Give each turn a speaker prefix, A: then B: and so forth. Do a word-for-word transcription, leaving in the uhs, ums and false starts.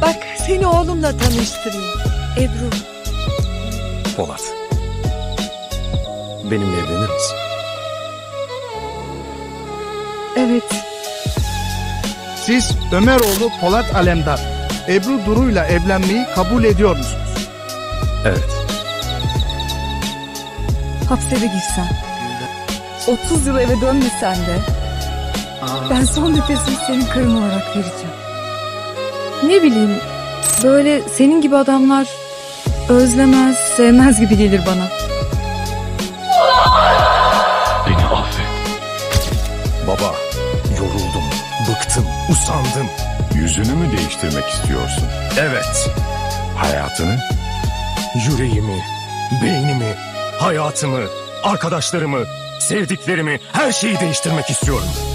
A: Bak seni oğlumla tanıştırayım. Ebru.
B: Polat. Benimle evlenir misin?
A: Evet.
C: Siz Ömeroğlu Polat Alemdar, Ebru Duru'yla evlenmeyi kabul ediyor musunuz?
B: Evet.
A: Hapse de girsen, otuz yıl eve dönmesen de ben son nefesimi senin karın olarak vereceğim. Ne bileyim, böyle senin gibi adamlar özlemez, sevmez gibi gelir bana.
B: Beni affet. Baba, yoruldum, bıktım, usandım.
D: Yüzünü mü değiştirmek istiyorsun?
B: Evet.
D: Hayatını?
B: Yüreğimi, beynimi, hayatımı, arkadaşlarımı, sevdiklerimi, her şeyi değiştirmek istiyorum.